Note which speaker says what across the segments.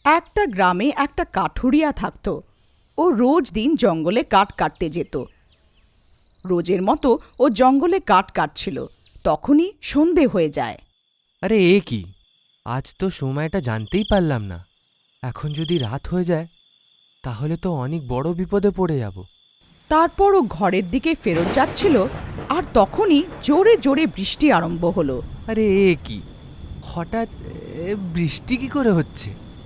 Speaker 1: একটা গ্রামে একটা কাঠুরিয়া থাকত। ও রোজ দিন জঙ্গলে কাঠ কাটতে যেত। রোজের মতো ও জঙ্গলে কাঠ কাটছিল। তখনই সন্ধে হয়ে যায়।
Speaker 2: আরে এ কি, আজ তো সময়টা জানতেই পারলাম না। এখন যদি রাত হয়ে যায় তাহলে তো অনেক বড় বিপদে পড়ে যাব।
Speaker 1: তারপর ও ঘরের দিকে ফেরত যাচ্ছিল, আর তখনই জোরে জোরে বৃষ্টি আরম্ভ হলো।
Speaker 2: আরে এ কি, হঠাৎ বৃষ্টি কি করে হচ্ছে?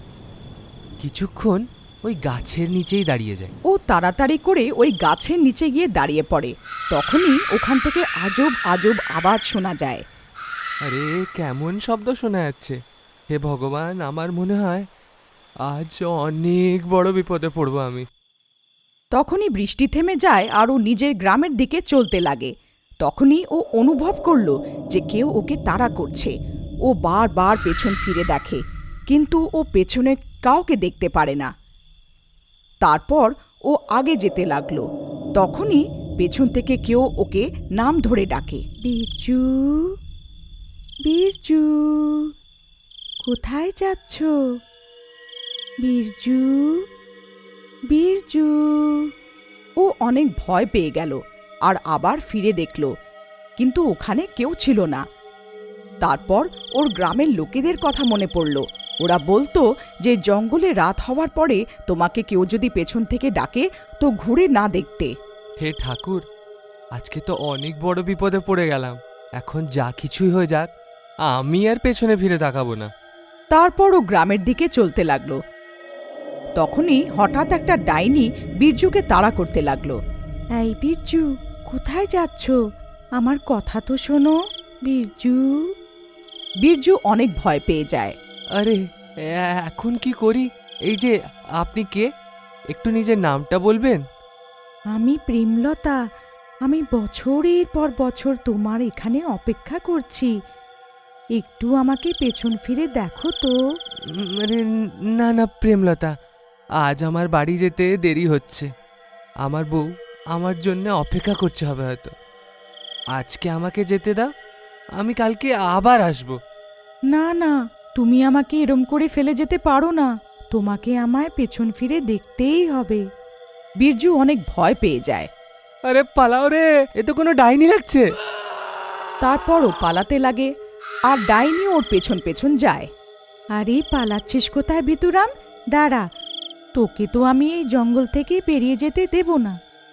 Speaker 2: কিছুক্ষণ ওই গাছের নিচেই দাঁড়িয়ে যায়।
Speaker 1: ও তাড়াতাড়ি করে ওই গাছের নিচে গিয়ে দাঁড়িয়ে পড়ে। তখনই ওখান থেকে আজব আজব আওয়াজ শোনা যায়।
Speaker 2: আরে কেমন শব্দ শোনা যাচ্ছে! হে ভগবান, আমার মনে হয় আজ অনেক বড় বিপদে পড়বো আমি।
Speaker 1: তখনই বৃষ্টি থেমে যায় আর ও নিজের গ্রামের দিকে চলতে লাগে। তখনই ও অনুভব করলো যে কেউ ওকে তাড়া করছে। ও বারবার পেছন ফিরে দেখে, কিন্তু ও পেছনে কাউকে দেখতে পারে না। তারপর ও আগে যেতে লাগলো। তখনই পেছন থেকে কেউ ওকে নাম ধরে ডাকে, বিরজু, বিরজু, কোথায় যাচ্ছ? বিরজু, বিরজু। ও অনেক ভয় পেয়ে গেল আর আবার ফিরে দেখল, কিন্তু ওখানে কেউ ছিল না। তারপর ওর গ্রামের লোকেদের কথা মনে পড়ল। ওরা বলতো যে জঙ্গলে রাত হওয়ার পরে তোমাকে কেউ যদি পেছন থেকে ডাকে তো ঘুরে না দেখতে।
Speaker 2: হে ঠাকুর, আজকে তো অনেক বড় বিপদে পড়ে গেলাম। এখন যা কিছুই হয়ে যাক, আমি আর পেছনে ফিরে তাকাবো না।
Speaker 1: তারপর ও গ্রামের দিকে চলতে লাগলো। তখনই হঠাৎ একটা ডাইনি বীরজুকে তাড়া করতে লাগলো। এই বীরজু, কোথায় যাচ্ছ? আমার কথা তো শোনো, বীরজু। বীরজু অনেক ভয় পেয়ে যায়।
Speaker 2: আরে এখন কি করি? এই যে, আপনি কে? একটু নিজের নামটা বলবেন?
Speaker 1: আমি প্রেমলতা। আমি বছরের পর বছর তোমার এখানে অপেক্ষা করছি। একটু আমাকে পেছন ফিরে দেখো তো।
Speaker 2: আরে না না প্রেমলতা, আজ আমার বাড়ি যেতে দেরি হচ্ছে। আমার বউ আমার জন্য অপেক্ষা করছে হবে হয়তো। আজকে আমাকে যেতে দাও, আমি কালকে আবার আসবো।
Speaker 1: না না, তুমি আমাকে এরম করে ফেলে যেতে পারো না। তোমাকে আমায় পেছন ফিরে দেখতেই হবে। বীরজু অনেক ভয় পেয়ে যায়।
Speaker 2: আরে পালাও রে, এ তো কোনো ডাইনি লাগছে।
Speaker 1: তারপর ও পালাতে লাগে, আর ডাইনি ওর পেছন পেছন যায়। আরে পালাচ্ছিস কোথায় ভিতুরাম? দাঁড়া, তোকে তো আমি এই জঙ্গল থেকে বেরিয়ে যেতে দেব না।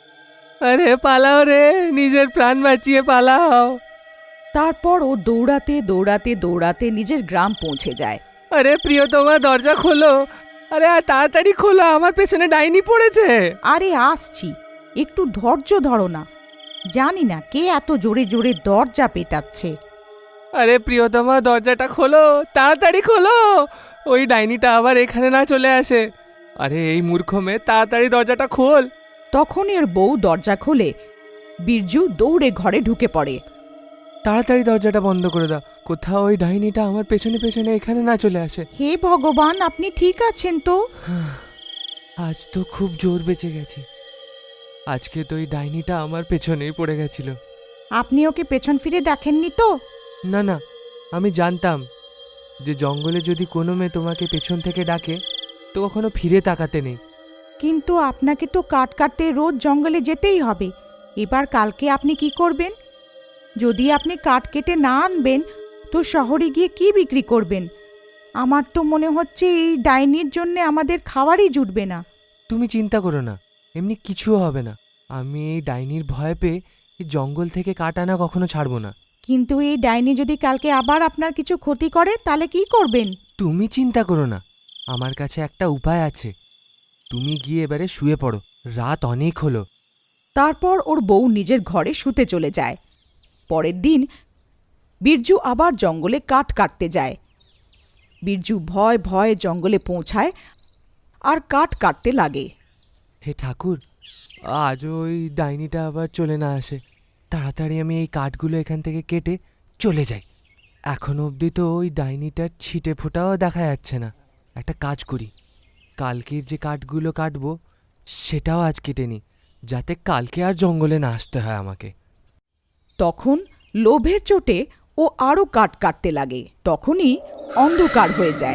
Speaker 2: আরে পালাও রে, নিজের প্রাণ বাঁচিয়ে পালাও।
Speaker 1: তারপর ও দৌড়াতে দৌড়াতে দৌড়াতে নিজের গ্রাম পৌঁছে যায়।
Speaker 2: আরে প্রিয়তমা, দরজা খোলো। আরে আর তাড়াতাড়ি খোলো, আমার পেছনে ডাইনি পড়েছে।
Speaker 1: আরে আসছি, একটু ধৈর্য ধরো না। জানি না কে এত জোরে জোরে দরজা পেটাচ্ছে।
Speaker 2: আরে প্রিয়তমা, দরজাটা খোলো, তাড়াতাড়ি খোলো। ওই ডাইনিটা আবার এখানে না চলে আসে। আরে এই মূর্খ মেয়ে, তাড়াতাড়ি দরজাটা খোল।
Speaker 1: তখন এর বউ দরজা খোলে। বীরজু দৌড়ে ঘরে ঢুকে পড়ে।
Speaker 2: তাড়াতাড়ি দরজাটা বন্ধ করে দাও, কোথাও ওই ডাইনিটা আমার পেছনে পেছনে এখানে না চলে আসে।
Speaker 1: হে ভগবান, আপনি ঠিক আছেন তো?
Speaker 2: আজ তো খুব জোর বেঁচে গেছি। আজকে তো ওই ডাইনিটা আমার পেছনেই পড়ে গেছিল।
Speaker 1: আপনি ওকে পেছন ফিরে দেখেননি তো?
Speaker 2: না না, আমি জানতাম যে জঙ্গলে যদি কোনো মেয়ে তোমাকে পেছন থেকে ডাকে তো কখনো ফিরে তাকাতে নেই।
Speaker 1: কিন্তু আপনাকে তো কাঠ কাটতে রোজ জঙ্গলে যেতেই হবে। এবার কালকে আপনি কি করবেন? যদি আপনি কাঠ কেটে না আনবেন তো শহরে গিয়ে কি বিক্রি করবেন? আমার তো মনে হচ্ছে এই ডাইনির জন্য আমাদের খাবারই জুটবে না।
Speaker 2: তুমি চিন্তা করো না, এমনি কিছু হবে না। আমি এই ডাইনির ভয় পেয়ে এই জঙ্গল থেকে কাঠ আনা কখনো ছাড়বো না।
Speaker 1: কিন্তু এই ডাইনি যদি কালকে আবার আপনার কিছু ক্ষতি করে তাহলে কি করবেন?
Speaker 2: তুমি চিন্তা করো না, আমার কাছে একটা উপায় আছে। তুমি গিয়ে এবারে শুয়ে পড়ো, রাত অনেক হলো।
Speaker 1: তারপর ওর বউ নিজের ঘরে শুতে চলে যায়। পরের দিন বীরজু আবার জঙ্গলে কাঠ কাটতে যায়। বীরজু ভয় ভয়ে জঙ্গলে পৌঁছায় আর কাঠ কাটতে লাগে।
Speaker 2: হে ঠাকুর, আজ ওই ডাইনিটা আবার চলে না আসে। তাড়াতাড়ি আমি এই কাঠগুলো এখান থেকে কেটে চলে যাই। এখনো অবধি তো ওই ডাইনিটার ছিটে ফোটাও দেখা যাচ্ছে না। একটা কাজ করি, কালকের যে কাঠগুলো কাটবো সেটাও আজ কেটে নিই, যাতে কালকে আর জঙ্গলে না আসতে হয় আমাকে।
Speaker 1: তখন লোভের চোটে ও আরও কাঠ কাটতে লাগে। তখনই অন্ধকার হয়ে যায়।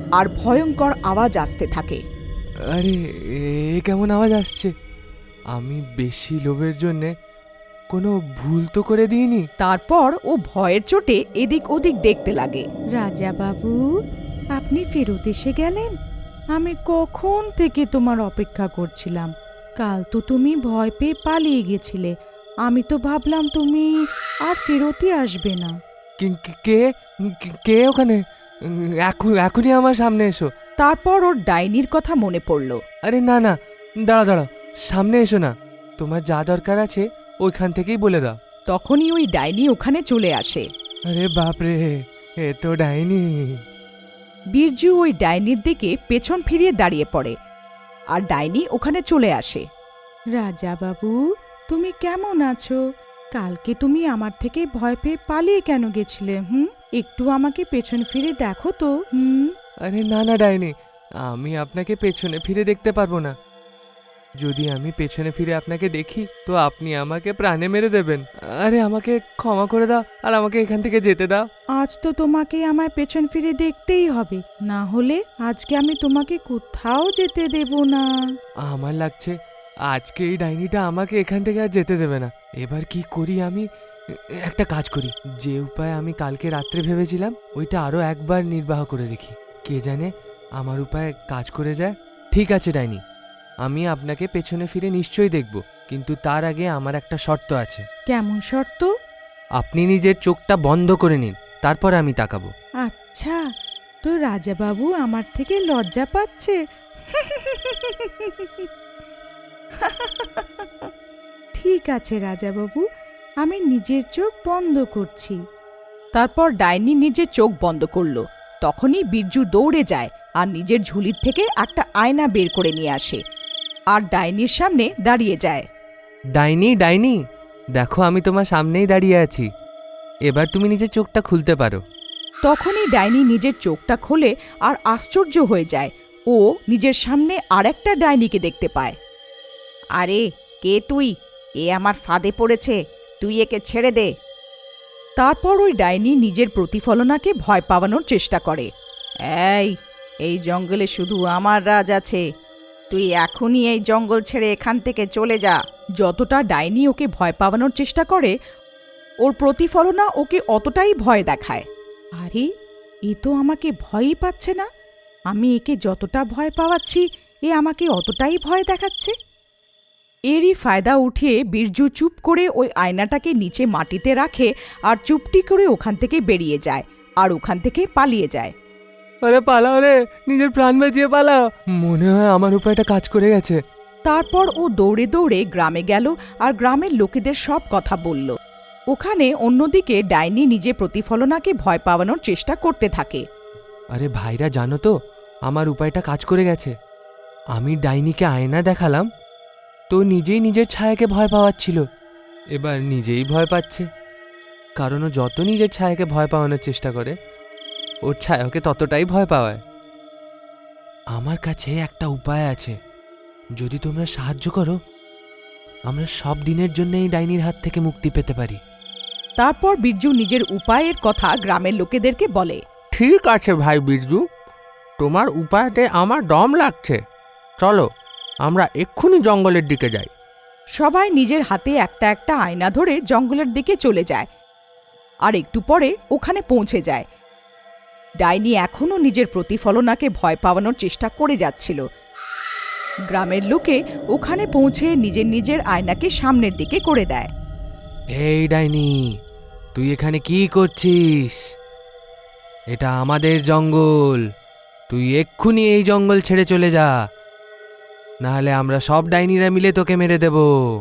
Speaker 1: আর ভয়ঙ্কর আওয়াজ আসতে থাকে।
Speaker 2: আরে এ কেমন আওয়াজ আসছে? আমি বেশি লোভের জন্যে কোনো ভুল তো করে দিইনি।
Speaker 1: তারপর ও ভয়ের চোটে এদিক ওদিক দেখতে লাগে। রাজা বাবু, আপনি ফেরত এসে গেলেন? আমি কখন থেকে তোমার অপেক্ষা করছিলাম। কাল তো তুমি ভয় পেয়ে পালিয়ে গেছিলে। আমি তো ভাবলাম তুমি আর ফেরতই আসবে না।
Speaker 2: কে কে ওখানে? এখনই আমার সামনে এসো।
Speaker 1: তারপর ওর ডাইনির কথা মনে পড়ল।
Speaker 2: আরে না না, দাঁড়াও, সামনে এসো না। তোমার যা দরকার আছে ওইখান থেকেই বলে দাও।
Speaker 1: তখনই ওই ডাইনি ওখানে চলে আসে।
Speaker 2: আরে বাপরে, এ তো ডাইনি।
Speaker 1: বীরজু ওই ডাইনির দিকে পেছন ফিরিয়ে দাঁড়িয়ে পড়ে, আর ডাইনি ওখানে চলে আসে। রাজা বাবু, তুমি কেমন আছো? কালকে তুমি আমার থেকে ভয় পেয়ে পালিয়ে কেন গেছিলে? একটু আমাকে পেছন ফিরে দেখো তো।
Speaker 2: আরে না না ডাইনি, আমি আপনাকে পেছনে ফিরে দেখতে পারবো না। যদি আমি পেছনে ফিরে আপনাকে দেখি তো আপনি আমাকে প্রাণে মেরে দেবেন। আরে আমাকে ক্ষমা করে দাও আর আমাকে এখান থেকে যেতে দাও।
Speaker 1: আজ তো তোমাকে আমায় পেছন ফিরে দেখতেই হবে, না হলে আজকে আমি তোমাকে কোথাও যেতে দেব না।
Speaker 2: আমার লাগছে আজকে এই ডাইনিটা আমাকে এখান থেকে আর যেতে দেবে না। এবার কি করি আমি? একটা কাজ করি, যে উপায় আমি কালকে রাত্রে ভেবেছিলাম ওইটা আরো একবার নির্বাহ করে দেখি। কে জানে আমার উপায় কাজ করে যায়। ঠিক আছে ডাইনি, আমি আপনাকে পেছনে ফিরে নিশ্চয়ই দেখব, কিন্তু তার আগে আমার একটা শর্ত আছে।
Speaker 1: কেমন শর্ত?
Speaker 2: আপনি নিজের চোখটা বন্ধ করে নিন, তারপর আমি তাকাবো।
Speaker 1: আচ্ছা, তো রাজাবাবু আমার থেকে লজ্জা পাচ্ছে। ঠিক আছে রাজাবাবু, আমি নিজের চোখ বন্ধ করছি। তারপর ডাইনি নিজের চোখ বন্ধ করলো। তখনই বীরজু দৌড়ে যায় আর নিজের ঝুলির থেকে একটা আয়না বের করে নিয়ে আসে আর ডাইনির সামনে দাঁড়িয়ে যায়।
Speaker 2: ডাইনি ডাইনি, দেখো আমি তোমার সামনেই দাঁড়িয়ে আছি, এবার তুমি নিজের চোখটা খুলতে পারো।
Speaker 1: তখনই ডাইনি নিজের চোখটা খোলে আর আশ্চর্য হয়ে যায়। ও নিজের সামনে আরেকটা ডাইনিকে দেখতে পায়। আরে কে তুই? এ আমার ফাঁদে পড়েছে, তুই একে ছেড়ে দে। তারপর ওই ডাইনি নিজের প্রতিফলনাকে ভয় পাওয়ানোর চেষ্টা করে। এই জঙ্গলে শুধু আমার রাজ আছে, তুই এখনই এই জঙ্গল ছেড়ে এখান থেকে চলে যা। যতটা ডাইনি ওকে ভয় পাওয়ানোর চেষ্টা করে, ওর প্রতিফলনা ওকে অতটাই ভয় দেখায়। আরে এ তো আমাকে ভয়ই পাচ্ছে না, আমি একে যতটা ভয় পাওয়াচ্ছি এ আমাকে অতটাই ভয় দেখাচ্ছে। এরই ফায়দা উঠিয়ে বীরজু চুপ করে ওই আয়নাটাকে নিচে মাটিতে রাখে আর চুপটি করে ওখান থেকে বেরিয়ে যায় আর ওখান থেকে পালিয়ে যায়।
Speaker 2: আরে পালাও রে, নিজের প্রাণ বাঁচিয়ে পালাও। মনে হয় আমার উপায়টা কাজ করে গেছে।
Speaker 1: তারপর ও দৌড়ে দৌড়ে গ্রামে গেল আর গ্রামের লোকেদের সব কথা বলল। ওখানে অন্যদিকে ডাইনি নিজে প্রতিফলনাকে ভয় পাওয়ানোর চেষ্টা করতে থাকে।
Speaker 2: আরে ভাইরা, জানো তো আমার উপায়টা কাজ করে গেছে। আমি ডাইনিকে আয়না দেখালাম, তো নিজেই নিজের ছায়াকে ভয় পাওয়াচ্ছিল। এবার নিজেই ভয় পাচ্ছে, কারণ ও যত নিজের ছায়াকে ভয় পাওয়ানোর চেষ্টা করে ওর ছায়া ওকে ততটাই ভয় পাওয়ায়। আমার কাছে একটা উপায় আছে, যদি তোমরা সাহায্য করো আমরা সব দিনের জন্য এই ডাইনির হাত থেকে মুক্তি পেতে পারি।
Speaker 1: তারপর বীরজু নিজের উপায়ের কথা গ্রামের লোকেদেরকে বলে।
Speaker 3: ঠিক আছে ভাই বিরজু, তোমার উপায়তে আমার দম লাগছে। চলো আমরা এক্ষুনি জঙ্গলের দিকে যাই।
Speaker 1: সবাই নিজের হাতে একটা একটা আয়না ধরে জঙ্গলের দিকে চলে যায় আর একটু পরে ওখানে পৌঁছে যায়। ডাইনি এখনও নিজের প্রতিফলনাকে ভয় পাওয়ানোর চেষ্টা করে যাচ্ছিল। গ্রামের লোকে ওখানে পৌঁছে নিজের নিজের আয়নাকে সামনের দিকে করে দেয়।
Speaker 2: এই ডাইনি, তুই এখানে কি করছিস? এটা আমাদের জঙ্গল, তুই এক্ষুনি এই জঙ্গল ছেড়ে চলে যা, নাহলে আমরা সব ডাইনিরা মিলে তোকে মেরে দেব।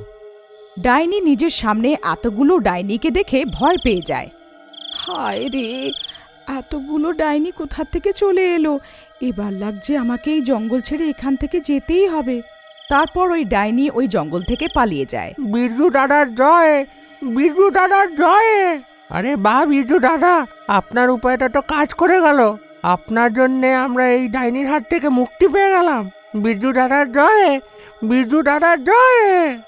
Speaker 1: ডাইনি নিজের সামনে এতগুলো ডাইনিকে দেখে ভয় পেয়ে যায়। হায় রে, এতগুলো ডাইনি কোথা থেকে চলে এলো? এবার লাগছে আমাকে এই জঙ্গল ছেড়ে এখান থেকে যেতেই হবে। তারপর ওই ডাইনি ওই জঙ্গল থেকে পালিয়ে যায়।
Speaker 3: বিরজু দাদার জয়, বিরজু দাদার জয়। আরে বাহ বিরজু দাদা, আপনার উপায়টা তো কাজ করে গেল। আপনার জন্যে আমরা এই ডাইনির হাত থেকে মুক্তি পেয়ে গেলাম। বিরজু দাদার জয়, বিরজু দাদার জয়।